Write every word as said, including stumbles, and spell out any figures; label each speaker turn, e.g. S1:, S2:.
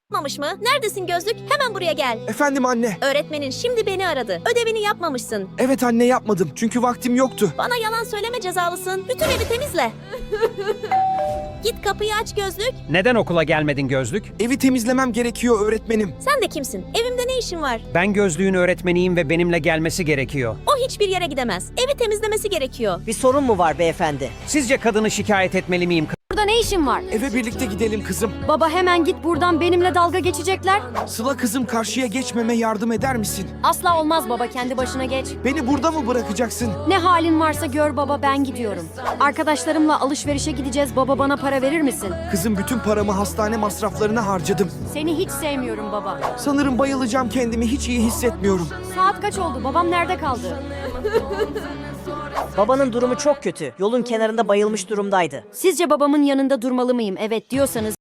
S1: Yapmamış mı? Neredesin gözlük? Hemen buraya gel.
S2: Efendim anne.
S1: Öğretmenin şimdi beni aradı. Ödevini yapmamışsın.
S2: Evet anne, yapmadım çünkü vaktim yoktu.
S1: Bana yalan söyleme, cezalısın. Bütün evi temizle. Git kapıyı aç gözlük.
S3: Neden okula gelmedin Gözlük?
S2: Evi temizlemem gerekiyor öğretmenim.
S1: Sen de kimsin? Evimde ne işin var?
S3: Ben Gözlük'ün öğretmeniyim ve benimle gelmesi gerekiyor.
S1: O hiçbir yere gidemez. Evi temizlemesi gerekiyor.
S4: Bir sorun mu var beyefendi?
S3: Sizce kadını şikayet etmeli miyim?
S5: Burada ne işin var?
S2: Eve birlikte gidelim kızım.
S5: Baba hemen git buradan, benimle dalga geçecekler.
S2: Sıla kızım, karşıya geçmeme yardım eder misin?
S5: Asla olmaz baba, kendi başına geç.
S2: Beni burada mı bırakacaksın?
S5: Ne halin varsa gör baba, ben gidiyorum. Arkadaşlarımla alışverişe gideceğiz, baba bana para verir misin?
S2: Kızım, bütün paramı hastane masraflarına harcadım.
S5: Seni hiç sevmiyorum baba.
S2: Sanırım bayılacağım, kendimi hiç iyi hissetmiyorum.
S5: Saat kaç oldu, babam nerede kaldı?
S4: Babanın durumu çok kötü. Yolun kenarında bayılmış durumdaydı.
S5: Sizce babamın yanında durmalı mıyım? Evet diyorsanız